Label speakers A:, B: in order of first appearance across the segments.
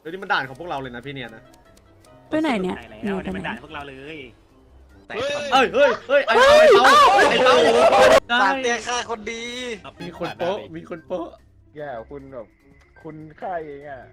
A: ดี๋ยวนี้มันด่านของพวกเราเลยนะพี่เนียนะ
B: ไปไหนเนี่ย
C: แล้วนี่มันด่านพวกเราเลย
A: เฮ้ยไอ้เต้า
D: ตาเตี้ยฆ่าคนดี
A: มีคนโป๊ะมีคนโป๊ะ
E: แย่คุณแบบคุณฆ่าเองอ่ะ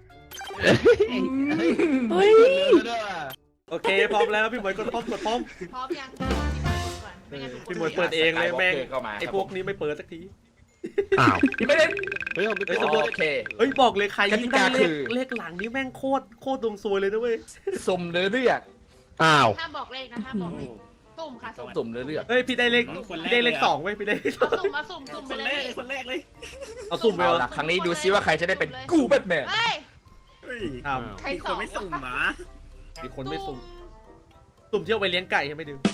B: เฮ้ย
A: โอเคพร้อมแล้วพี่หมวยกดพร้อม
F: พร้อมยัง
A: พี่หมวยเปิดเองเลยแม่งไอ้พวกนี้ไม่เปิดสักที
G: อ้าว
D: ไม่ได้
G: เฮ้ยผม
A: เฮ้ยสมมติ
D: โอเค
A: เฮ้ยบอกเลยใครยิ่งได้
D: กติกาคือ
A: เลขหลังนี้แม่งโคตรดวงซวยเลยนะเว้ย
D: สุ่มเลือก
G: อ้าว
F: ห้ามบอกเลขนะห้ามบอกเลขสุ่มค่ะสุ่ม
D: สุ่มเลือก
A: เฮ้ยพี่ได้เลข2เว้ยพี่ได้เลข
F: สุ่มมาสุ่มไป
C: คน
F: เล
C: แร
F: ย
C: กคนแรกเลย
A: เอาสุ่มไป
D: เอา
A: เหรอ
D: ล่ะครั้งนี้ดูซิว่าใครจะได้เป็นกูแบทแมน
F: เฮ้ย
A: ครับ
F: ใคร
C: มี
F: ส
C: ค
F: อน ง
C: ไม่สุ่มหมา
A: มีคนไม่สุ่มเที่ยวไปเลี้ยงไก่ใช่ไหมดิว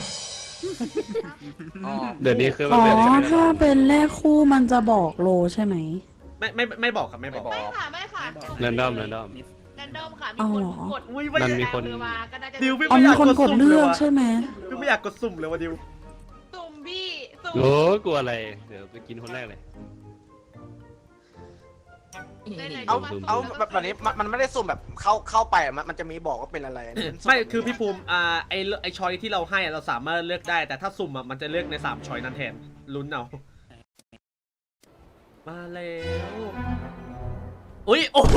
G: เดี๋ยวนี้คือมั
B: อ๋
G: น
B: อ
G: เป็นยังไง
B: ถ้าเป็นเลขคู่มันจะบอกโลใช่ไหม
A: ไม่บอกครับไม่บอก
F: ไม่ค่ะ
G: แรนดอม
F: แรนดอมค่ะมีคนกด
A: อุ้ย
G: มันมีคน
F: มาก็น่าจะ
A: ดิวพี่
B: อ๋อ
A: ไม่อ
B: มี
A: ยาก
B: คนกดเลือก
A: สุ่ม
B: ใช่ไหม
A: พี่ไม่อยากกดสุ่มเลยว่ะดิว
F: สุ่มพี่สุ่ม
G: โอ้กลัวอะไร เดี๋ยวไปกินคนแรกเลย
D: เอาแบบนี้มันไม่ได้สุ่มแบบเข้าไปมันจะมีบอกว่าเป็นอะไร
A: ไม่คือพี่ภูมิไอชอยที่เราให้เราสามารถเลือกได้แต่ถ้าสุ่มมันจะเลือกใน3ชอยนั้นแทนลุ้นเอามาแล้วอุ้ยโอ้โห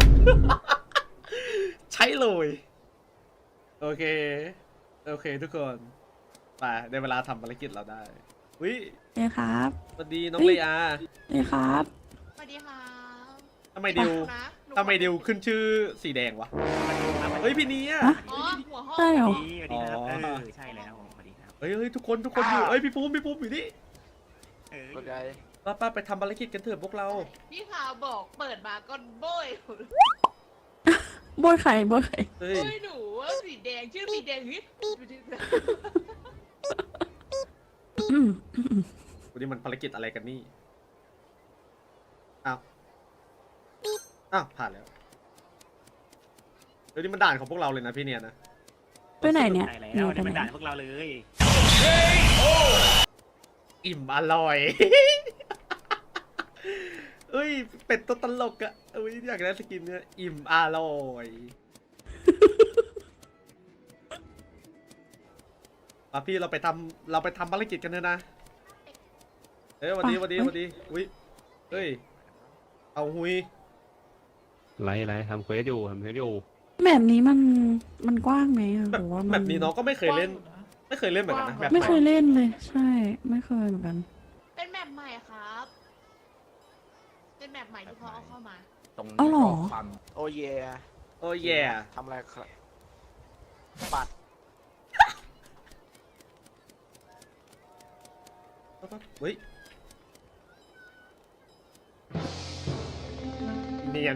A: ใช้เลยโอเคทุกคนไปได้เวลาทำภารกิจเราได้อุ้ย
B: เอ้ครับ
A: สวัสดีน้องเลอา
B: เอ้ครับ
F: สวัสดีค่ะ
A: ทำไมดิวขึ้นชื่อสีแดงวะเฮ้ยพี่เนี้ย
F: อ๋อหัวห้อง
B: ใช่เหรอ
C: สวัสดีครับใช่แล้วสวัสดีครับ
A: เฮ้ยทุกคนอยู่เฮ้ยพี่ภูมิอยู่นี่
D: เข้าใจ
A: ป้าไปทำภารกิจกันเถอะพวกเรา
F: พี่ข่าวบอกเปิดมาก็โบย
B: โบยไข่โบยไข่
A: เฮ้ย
F: โบยหนูว่าสีแดงชื่อสีแดงฮิต
B: อืม
A: วันนี้มันภารกิจอะไรกันนี่อ้าวผ่านแล้วเดี๋ยวนี้มันด่านของพวกเราเลยนะพี่เนียนะ
B: ไปไหนเนี่ย
C: ใช่แล้วนี่มันด่านพวกเราเลย
A: อิ่มอร่อย เอ้ยเป็ดตัวตลกอะเอ้ยอยากได้สกินเนี่ยอิ่มอร่อยมาพี่เราไปทำภารกิจกันเถอะนะเฮ้ยวันดีอุ้ยเฮ้ยเอาหุย
G: ไรทำเควสอยู่
B: แบบนี้มันกว้างไหมอะหรือว่ามัน
A: แบบนี้น้องก็ไม่เคยเล่นเหมือนกันนะแบบ
B: ไม่เคยเล่นเลย ใช่ ไม่เคยเหมือนกัน
F: เป็นแมปใหม่ครับเป็นแมปใหม่ที่เขาเอาเข้ามา
D: ตรง
B: อ๋อเหรอ
D: ความโอ้เย่
A: โอ้แย่
D: ทำอะไรครับปัด
A: เฮ้ยเนียน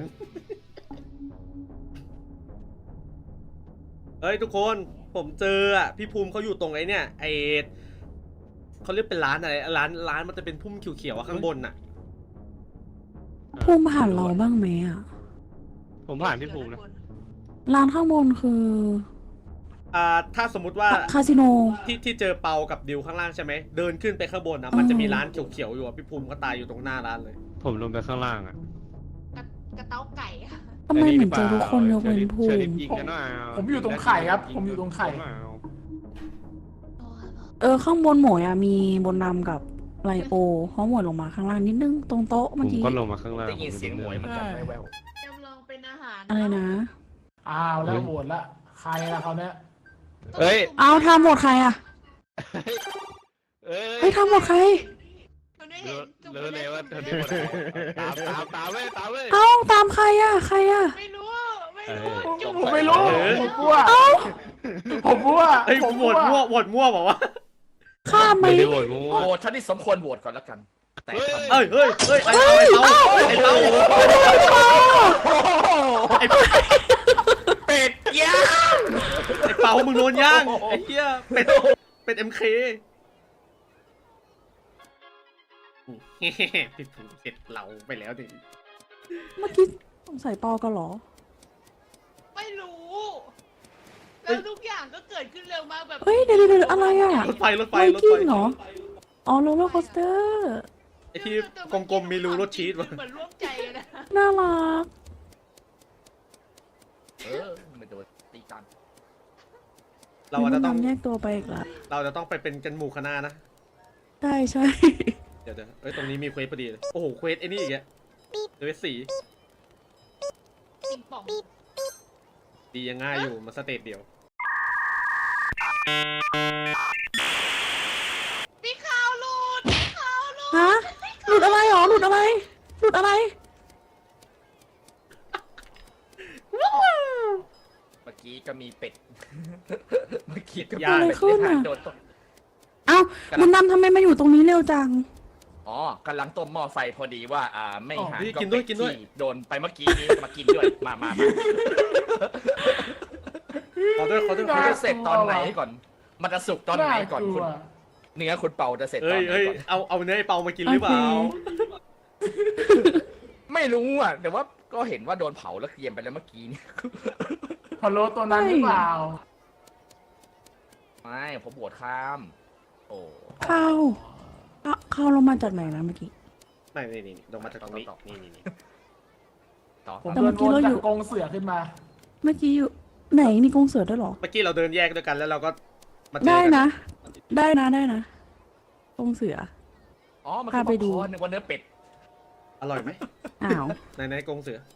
A: เฮ้ยทุกคนผมเจออ่ะพี่ภูมิเขาอยู่ตรงไอ้เนี่ยไอเขาเรียกเป็นร้านอะไรร้านมันจะเป็นพุ่มเขียวๆอะข้างบนน่ะ
B: ภูมิผ่านเราบ้างไหมอะ
G: ผมผ่านพี่ภูมินะ
B: ร้านข้างบนคือ
A: ถ้าสมมุติว่า
B: คาสิโน
A: ที่เจอเปากับดิวข้างล่างใช่ไหมเดินขึ้นไปข้างบนนะมันจะมีร้านเขียวๆอยู่อะพี่ภูมิก็ตายอยู่ตรงหน้าร้านเลย
G: ผมลงไปข้างล่างอ่ะ
F: กระเต้าไก่
B: ทำไมเหมือนเจอทุกคนยกเว้นภู
G: เชอ
B: มิ
G: ริฟยิงกันหน่อย
E: ผมอยู่ตรงไข่ครับผมอยู่ตรงไข่
B: ข้างบนหมวยอะมีบนดำกับไลโอเพราะหมวยลงมาข้างล่างนิดนึงตรงโต๊ะ
G: ผ
B: เมื่อ
G: ม
B: กี้
G: ก็ลงมาข้างล่าง
D: ได้ยินเสียงหมวยเหมือนกันแว่ว
F: จำลองเป็นอาหาร
B: อะไรนะ
E: อ้าวแล้วโหวตละใครละเขาเนี้ย
G: เฮ้ย
B: เอาทำหมดใครอะเฮ้ยทำหมดใคร
G: เลยว่าเธอได้หมดตามเว้ย
B: เอาตามใครอะใครอะ
F: ไม่รู้
E: ผมไม่รู้ผมกลัวผมกลัว
A: เฮ้ยโหวตมั่วบอกว่า
B: ข้ามไหม
G: ไม่ได้โหวตงู
D: ๆโหวตฉันที่สมควรโหวตก่อนแล้วกันแต่ทำ
A: เฮ้ยไอ้เปาไอ้เปา
D: เป็ดย่าง
A: ไอ้เปามึงโดนย่างไอ้เหี้ยเป็ด MK พี่ภูมิเสร็จเราไปแล้วดิ
B: เมื่อกี้สงสัยปอกันเหรอ
F: ไม่รู้ แล้วทุกอย่างก็เกิดขึ้นเร็วมากแบบ
B: เฮ้ยเดี๋ยวอะไรอะ
A: รถไฟ
B: ไวกิ้งเหรอ อ๋อโรลเลอร์โคสเตอร์
A: ไอ้ที่กลมๆมีรูรถชีสวะ
F: เหมือนร่วมใจเลยนะ
B: น่ารัก
E: ตีกัน
A: เราอาจจะต้อง
B: บุญนำแยกตัวไปอีกละ
A: เราจะต้องไปเป็นกันหมู่คณะนะ
B: ใช่ใช่
A: เดี๋ยวเอ้ยตรงนี้มีเควสพอดีเลยโอ้โหเควสไอ้นี่อีกแล้วเควสสี
F: ปิงปอง
A: ดียังง่ายอยู่มาสเตจเดียว
F: พี่ขาวหลุดพี่ขาวหลุด
B: ฮะหลุดอะไรหรอหลุดอะไรหลุดอะไร
E: เมื่อกี้ก็มีเป็ด เมื่อกี้ก็มี
A: ย่าง
B: อะไรขึ้นอะ
E: โดนตบ
B: เอ้าบุญนำทำไมมาอยู่ตรงนี้เร็วจัง
E: อ๋อกำลังต้มหม้อไฟพอดีว่าไม่หาย
A: นี่
E: ก็
A: กินด้วย
E: เป็
A: กินด้วย
E: ที่โดนไปเมื่อกี้นี้มากินด้วยมา
A: ขอด้วยขอด้วย
E: มันจะเสร็จตอนไหนก่อน มันจะสุกตอนไหนก่อนคุณเนื้อคุณเปาจะเสร็จต
A: เอ้
E: อน
A: ย
E: ไหน
A: เอ้ย
E: ก่อน
A: เอาเนื้อไอ้เปามากินหรือเปล่า
E: ไม่รู้อ่ะแต่ว่าก็เห็นว่าโดนเผาแล้วเกรียมไปแล้วเมื่อกี้นี่
H: พอโลตัวนั้นหรือเปล่า
E: ไม่ผมบวชข้าม โอ้
B: เข้าลงมาจากไหนนะเมื่อกี้
A: ไม่นี่ลงมาจากตรงนี้นี่
E: ต่อ
H: ผม
B: แต่
H: เดิ
B: เมื่
H: น
B: อกี้
H: วน
B: เราอ
H: จา
B: ยู่
H: กกรงเสือขึ้นมา
B: เมื่อกี้อยู่ไหนมีกรงเสือด้วยเหรอ
A: เมื่อกี้เราเดินแยกด้วยกันแล้วเราก็มาเจอ
B: ได้
A: กัน
B: นะ ได้นะกรงเสือ
E: อ๋อมัน
B: พา
E: คือ
B: ไปดู
E: ป๊อปคอร์นนึกว่าเนื้อเป็ด
A: อร่อยไหม
B: อ้าว
A: ไหนกรงเสือ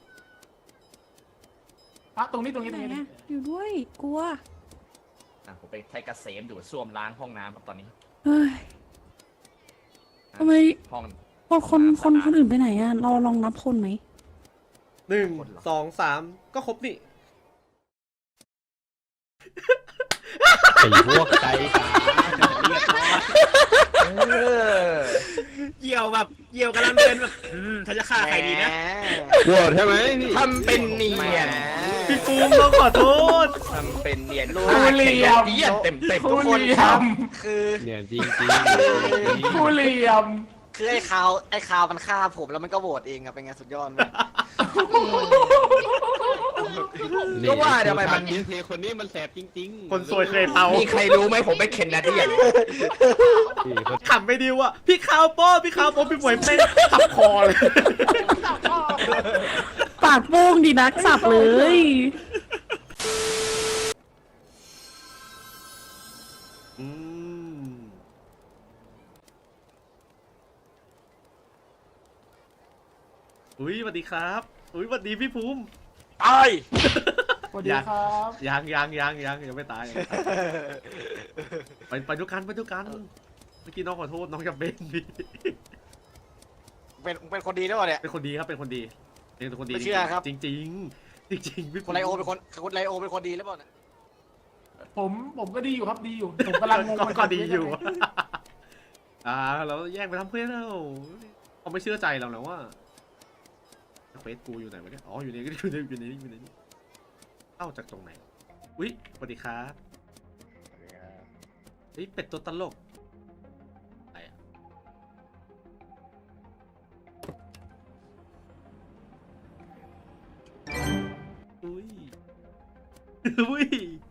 H: อ่ะตรงนี้ตรง
B: ไห
H: นี้
B: น
H: ตรงนี้
B: อะอยู่ด้วยกลัว
E: ผมไปไทยเกษมดูดซ่วมล้างห้องน้ำครับตอนนี้
B: เฮ้ยทำไม
E: ห้อง
B: คนอื่นไปไหนอะเราลองนับคนไหม
A: 1 2 3ก็ครบนี่
G: ไอ้พวกใจตา
C: เยี่ยวแบบเยี่ยวกำลังเดินแบบถ้าจะฆ่าใครดีนะ
G: โกรธใช่ไหมพี่
E: ทำเป็นเนียน
A: พี่ปูมต้องขอโทษ
E: ทำเป็นเนียน
H: ผู้เหลี่ยม
E: เนียนเต็ม
H: ผู้
E: ทุกคน
H: เหลี่ยม
D: คือ
G: เนี่ยจริงจริง
H: ผู้เหลี่ยม
D: คือไอ้คาวมันฆ่าผมแล้วมันก็โหวตเองอะเป็นไงสุดยอดไหม
E: ก็ว่าทำไมมัน
G: ยินเทคนนี้มันแสบจริงๆ
A: คนสวยเคยเตา
E: มีใครรู้ไหมผมเป็นเคนนาเดียน
G: พี่คน
A: ขำไปดิวอ่ะพี่ขาวโป้พี่หมวยเป็นขับคอเลย
F: สับพ่อ
B: ปากโป้งดีนักสับเลย
A: อืมอุ้ยสวัสดีครับอุ้ยสวัสดีพี่ภูมิ
D: ตาย
H: สวัสดีครับ
A: ยังไม่ตายไปดูกันเมื่อกี้น้องขอโทษน้องจะเป็นพี่
D: เป็นคนดีด้วยเนี่ย
A: เป็นคนดีครับเป็นคนดีเป็นคนดี
D: ไม่เชื่อครับ
A: จริงๆพี่
D: คนไลโอเป็นคนดีหรือเปล่าเนี่ย
H: ผมก็ดีอยู่ครับดีอยู่ ผมกำลังงง
A: ก็ดีอยู่ เราแยกไปทำเพื่อนแล้วเขาไม่เชื่อใจเราแล้วว่าเฟซกูอยู่ไหนวะเนี่ยอ๋ออยู่นี่เข้าจากตรงไหนอุ๊ยสวัสดีครับเฮ้ยเป็ดตัวตลกอะไรอ่ะอุ้ย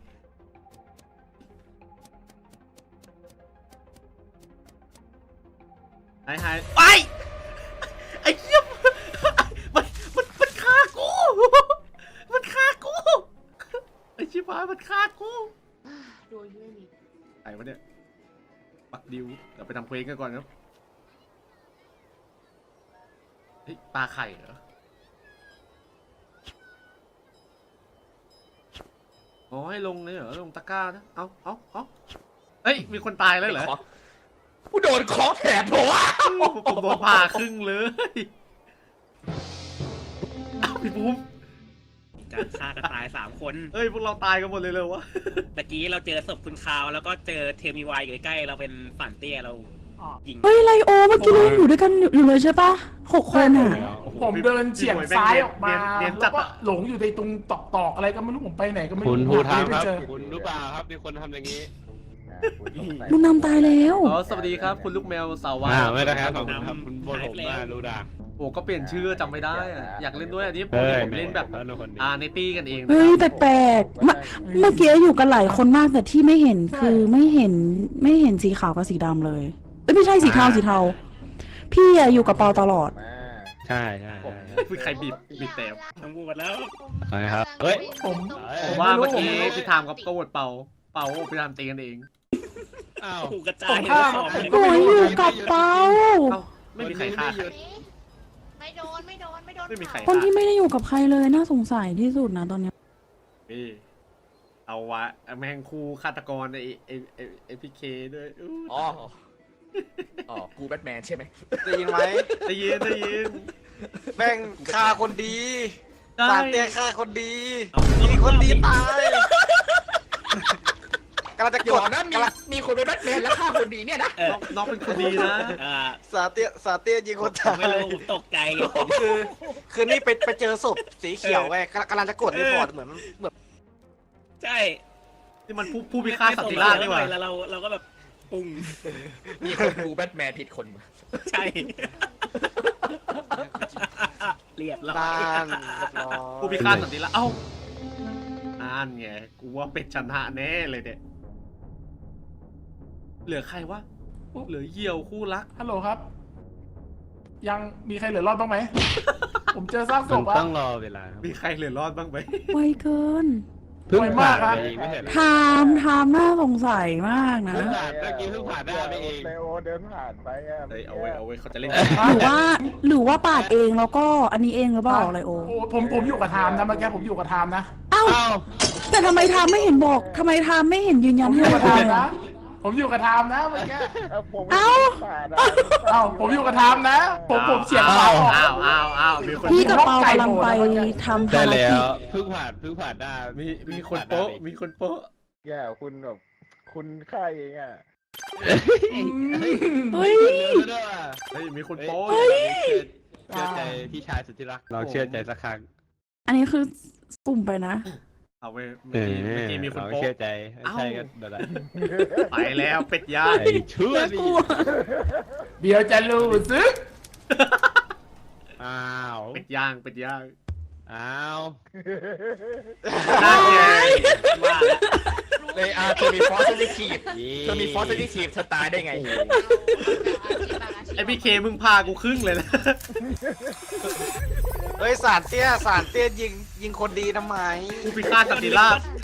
A: หายไปไอ้เหี้ยมันฆ่ากูไอ้ชิบหายมันฆ่ากู
F: โดยด้วยนี่
A: ไอ้วะเนี่ยปักดิวเดี๋ยวไปทำเควสกันก่อนครับเฮ้ยปลาไข่เหรออ๋อให้ลงเลยเหรอลงตะกร้านะเอาเฮ้ยมีคนตายแล้วเหรอ
E: กูโดนคอแถบหัว
A: ผมโดนผ่าครึ่งเลยเอาพี่ภูมิ
C: จะฆ่ากันตาย3 คน
A: เอ้ยพวกเราตายกันหมดเลยเลยวะ
C: ตะกี้เราเจอศพคุณคาวแล้วก็เจอเทมีวายอยู่ใกล้ๆเราเป็นฝันเตี้ยเรายิง
B: เฮ้ยไลโอเมื่อกี้เราอยู่ด้วยกันอยู่เลยใช่ปะ6 คนอะ
H: ผมเดินเฉียงซ้ายออกมา
A: เนียน
H: แล้
A: จั
H: ว
A: ด
H: ก็
A: อะ
H: หลงอยู่ในตรงตอกอะไรก็ไม่รู้ผมไปไหนก็ไม่รู้
G: คุณภูทางครับ
H: ไม่เจอ
G: คุณรู้เปล่าครับมีคนทำอย่างนี้
B: บุญนำตายแล้ว
A: อ๋อสวัสดีครับคุณลูกแมวสาววา
G: ไม่ได้ครับขอบคุณครับคุณบนผมมารู้ดัง
A: โอ้ก็เปลี่ยนชื่อจำไม่ได้อะอยากเล่นด้วยอันนี้ผม
G: เฮ้ย
A: เล่นแบบ
G: คนดี
A: ในตี้กันเองนะ
B: เฮ้ยแปลกๆเมื่อกี้อยู่กันหลายคนมากแต่ที่ไม่เห็นคือไม่เห็นสีขาวกับสีดำเลยไม่ใช่สีเทาพี่อะอยู่กับเปาตลอด
A: ใ
G: ใช่ใช่
A: คือใครบีบแต่
C: ต้องพูดแล้ว
G: อะไรครับเฮ้ย
H: ผม
A: ผมว่าเมื่อกี้พี่ทามกับก็โหวตเป่าพี่ทามตีกันเอง
G: อ้าว
C: ถูกกระจา
H: ผ
C: ย
H: มฆ่า
C: ของ
H: ผมก็
B: หม
H: ไม่
B: วย
H: รู้
B: อยู่กับเปา
A: เอ้าไม่มีใครฆ่าใคร
F: ไม่โดน
A: ไม่มีใคร
B: คนที่ไม่ได้อยู่กับใครเลยน่าสงสัยที่สุดนะตอนเนี้ย
A: เอาวะแม่งคู่ฆาตกรไอพีเคด้วย
E: อ๋อกูแบทแมนใช่ไหม
D: ได้ยินไหม
A: ได้ยิน
D: แม่งฆ่าคนดี
A: ได้
D: สารเตี้ยฆ่าคนดีมีคนดีตายกำลังจะ
E: เดี๋
D: ก
E: ยว
D: ด
E: นะ
D: กำลัง
E: มีคนเป็นแบทแมนแล้วฆ่าคนดีเนี่ยนะ
A: น้องเป็นคนดีนะ
D: สารเตี้ยยิงคน
C: ผม
D: ตาย
C: ไม่รู้ผมตกใจ
D: คือนี่ไปเจอศพสีเขียวไงกำลังจะกดรีพอร์ตเหมือน
C: ใช่
A: นี่มันผู้พิฆาตสันติราษฎร์นี่หว่า
C: แล้วเราก็แบบปุ้ง
E: มีคนดูแบทแมนผิดคน
C: ใช่เรียบร้อย
D: ด้านเรียบร้อย
A: ผู้พิฆาตสันติราษฎร์เอ้านั่นไงกูว่าเป็ดชนะแน่เลยเนี่ยเหลือใครวะเหลือเหี่ยวคู่รัก
H: ฮัลโหลครับ ยังมีใครเหลือรอดบ้างไหม ผมเจอซากศ
G: มัน
H: พอะ
G: ต้องรอเวลาครับ
A: มีใครเหลือรอดบ้างไหม
B: ไวเกิน
G: เพิ่ง
H: ไว
G: ผ่าม
H: าน กครับ
G: ไปเองไม่ใช่เหรอ
B: ไทม์น่าสงสัยมากนะ
G: เพิ่งผ่านเมื่อกี้เพิ่งผ่านได้ไปเอง
I: เลโอเดินผ่านไปอ่ะ
A: เฮ้ยเอาไว้เขาจะเล่น
B: หรือว่าปาดเองแล้วก็อันนี้เองหรือเปล่าอะไรโอ
H: โอ้ผมอยู่กับไทม์นะเมื่อกี้ผมอยู่กับไทม์นะ
B: เอ้า
G: อ้าว
B: แต่ทำไมไทม์ไม่เห็นบอกทำไมไทม์ไม่เห็นยืนยั
H: ผ
B: น
H: มอ
B: ให้
H: ยู่
B: เรา
H: กับไท
B: เลย
H: ม์นะ
B: อะ
H: ผมอยู่กับไทม์นะเมื่อกี้
I: ผม
B: เอ้า
I: ผ่าน
H: เอ้าผมอยู่กับไทม์นะ ผมเฉียดขวาออก
A: อ้าวมีคน
B: พี่กับเปากำลังไปทำ
G: ได้
B: ภาร
G: แล้
B: กิจ
G: วเพิ่งผ่านได้
A: มีคนโป๊ะมีคนโป๊ะ
I: แย่คุณแบบคุณฆ่าเองอ่ะ
B: เฮ้ย
G: ด้วยว่ะ
A: เฮ้ยมีคนโป๊ะ
G: เชื่อใจพี่ชายสุดที่รักเราเชื่อใจสักครั้ง
B: อันนี้คือสุ่มไปนะ
A: เอาไว้เมื่อกี้มีคน
G: เรา
A: โป๊ะ
G: เชื่อใจไม่ใช่ก็เดี๋ยวละ
A: ไปแล้วเป็ดย่าง
G: ไอ้ชั่ว
B: น่า
G: ดิ
B: กลัว
H: เดี๋ยวจะรู้ซึก
G: อ้าว
A: เป็ดย่าง
G: อ้าว
A: นั่นไง
C: ว่าแล้ว
E: เลยเธอมีฟอสซิลิทีฟเธอมีฟอสซิลิทีฟเธอตายได้ไง
A: ไอพี่เคมึงพากูครึ่งเลยนะ
D: เฮ้ยสารเตี้ยยิงคนดีทำไม
A: ผู้พิฆาตสันติราษฎร์